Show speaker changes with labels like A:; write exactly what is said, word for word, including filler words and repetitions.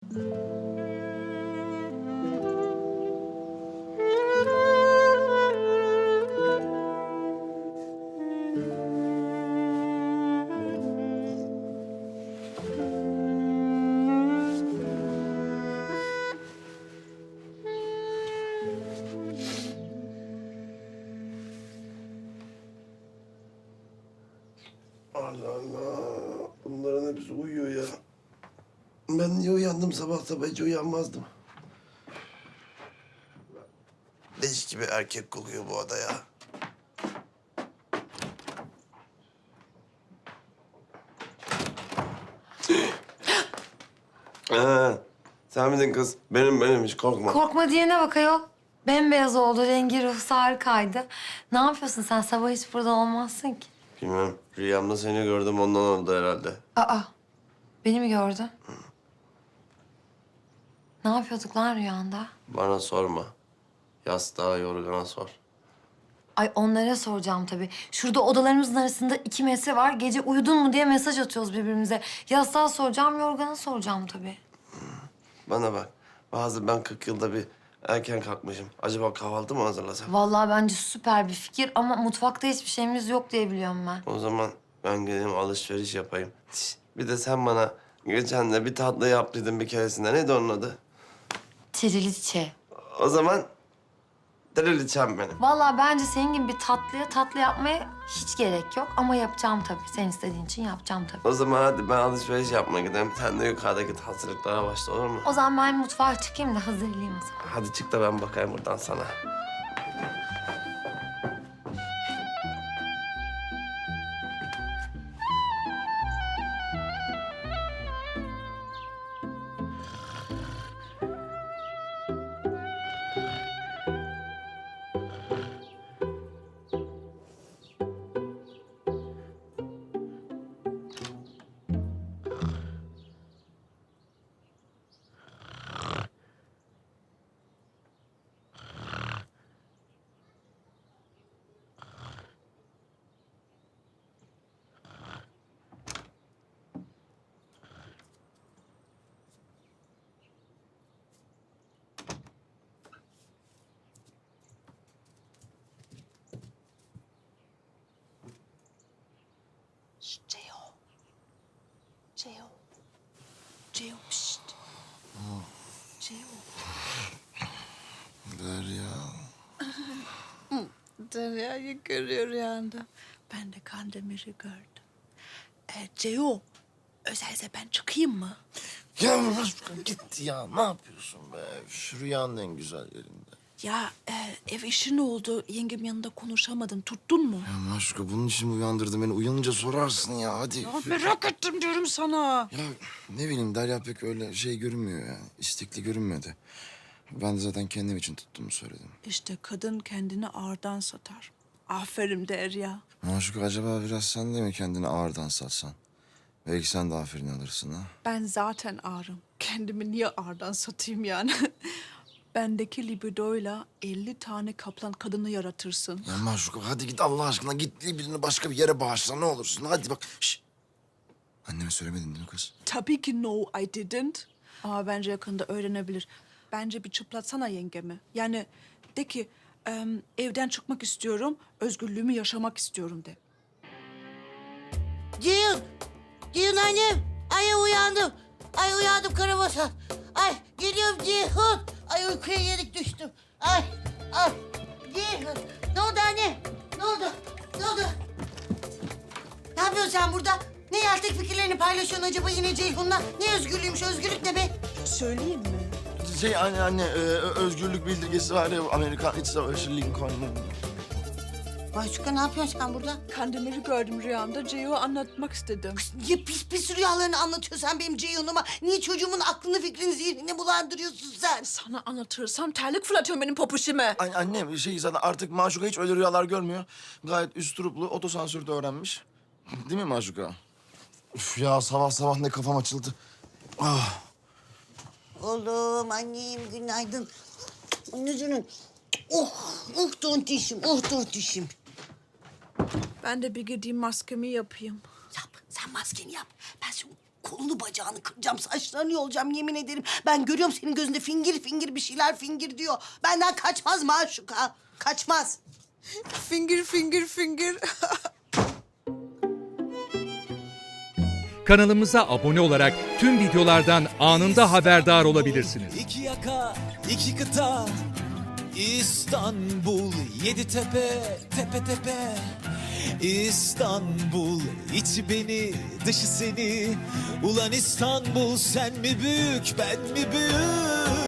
A: Allah Allah. Bunların hepsi uyuyor ya. Ben niye uyandım sabah sabah hiç uyanmazdım. Leş gibi erkek kokuyor bu oda ya. Ha, sen miydin kız? Benim benim hiç korkma.
B: Korkma diyene bak ayol. Bembeyaz oldu, rengi ruhsu harikaydı. Ne yapıyorsun sen? Sabah hiç burada olmazsın ki.
A: Bilmem. Rüyamda seni gördüm ondan oldu herhalde.
B: Aa, beni mi gördün? Hı. Ne yapıyorduk lan rüyanda?
A: Bana sorma. Yastığa yorgana sor.
B: Ay onlara soracağım tabii. Şurada odalarımızın arasında iki metre var. Gece uyudun mu diye mesaj atıyoruz birbirimize. Yastığa soracağım, yorgana soracağım tabii.
A: Bana bak. Bazı ben kırk yılda bir erken kalkmışım. Acaba kahvaltı mı hazırlasam?
B: Vallahi bence süper bir fikir ama mutfakta hiçbir şeyimiz yok diye biliyorum ben.
A: O zaman ben gideyim alışveriş yapayım. Şişt, bir de sen bana geçen de bir tatlı yaptıydın bir keresinde. Neydi onun adı?
B: Triliçe.
A: O zaman triliçem benim.
B: Vallahi bence senin gibi bir tatlıya tatlı yapmaya hiç gerek yok. Ama yapacağım tabii. Sen istediğin için yapacağım tabii.
A: O zaman hadi ben alışveriş yapmaya gideyim. Sen de yukarıdaki hazırlıklara başla olur mu?
B: O zaman ben mutfağa çıkayım da hazırlayayım o zaman.
A: Hadi çık da ben bakayım buradan sana.
C: Şşt Ceo. Ceo. Ceo şşt. Ceo.
A: Derya.
C: Derya'yı görüyor rüyanda. Ben de Kandemir'i gördüm. Ee, Ceo, özelse ben çıkayım mı?
D: Ya Maşuka git ya. Ne yapıyorsun be? Şu rüyanın en güzel yerinde.
C: Ya e, ev işi ne oldu? Yengem yanında konuşamadım. Tuttun mu?
D: Ya Maşuka bunun için mi uyandırdın beni? Uyanınca sorarsın ya hadi.
C: Ya merak ettim diyorum sana.
D: Ya ne bileyim Derya pek öyle şey görünmüyor yani. İstekli görünmedi. Ben de zaten kendim için tuttuğumu söyledim.
C: İşte kadın kendini ağırdan satar. Aferin Derya.
D: Maşuka acaba biraz sen de mi kendini ağırdan satsan? Belki sen de aferin alırsın ha.
C: Ben zaten ağrım. Kendimi niye ağırdan satayım yani? Bendeki libidoyla elli tane kaplan kadını yaratırsın.
D: Ya Maşuka hadi git Allah aşkına git birini başka bir yere bağışla ne olursun. Hadi bak. Şş. Anneme söylemedin değil mi kız?
C: Tabii ki no, I didn't. Ama bence yakında öğrenebilir. Bence bir çıplatsana yengemi. Yani de ki em, evden çıkmak istiyorum, özgürlüğümü yaşamak istiyorum de.
E: Ceyhun! Ceyhun annem! Ay uyandım. Ay uyandım karabasan. Ay geliyorum Ceyhun. Ay uykuya yenik düştüm. Ay ay Ceyhun. Ne oldu anne? Ne oldu? Ne oldu? Ne yapıyorsun sen burada? Ne yeltek fikirlerini paylaşıyorsun acaba yine Ceyhun'la? Ne özgürlüğümüş, özgürlük ne be?
C: Söyleyeyim mi?
D: Şey anne anne e, özgürlük bildirgesi var ya Amerikan İç Savaşı Lincoln'un.
E: Maşuka ne yapıyorsun sen burada?
C: Kandemir'i gördüm rüyamda. Ceyo'ya anlatmak istedim.
E: Niye pis pis rüyalarını anlatıyorsun sen benim Ceyhun'uma? Niye çocuğumun aklını fikrini zihnini bulandırıyorsun sen?
C: Sana anlatırsam terlik fırlatıyorum benim popuşime.
D: An annem şey zaten artık Maşuka hiç öyle rüyalar görmüyor. Gayet üsturuplu otosansürde öğrenmiş. Değil mi Maşuka? Üf ya sabah sabah ne kafam açıldı. Ah.
E: Oğlum, annem günaydın. Anneciğim. Oh, oh tontişim, oh tontişim.
C: Ben de bir gideyim maskemi yapayım.
E: Yap, sen maskeni yap. Ben şimdi kolunu bacağını kıracağım, saçlarını yolacağım yemin ederim. Ben görüyorum senin gözünde fingir fingir bir şeyler fingir diyor. Benden kaçmaz Maşuka, kaçmaz.
C: Finger, finger, finger.
F: Kanalımıza abone olarak tüm videolardan anında haberdar olabilirsiniz.
G: İki yaka, iki kıta, İstanbul, yedi tepe, tepe tepe. İstanbul, içi beni, dışı seni. Ulan İstanbul, sen mi büyük, ben mi büyük?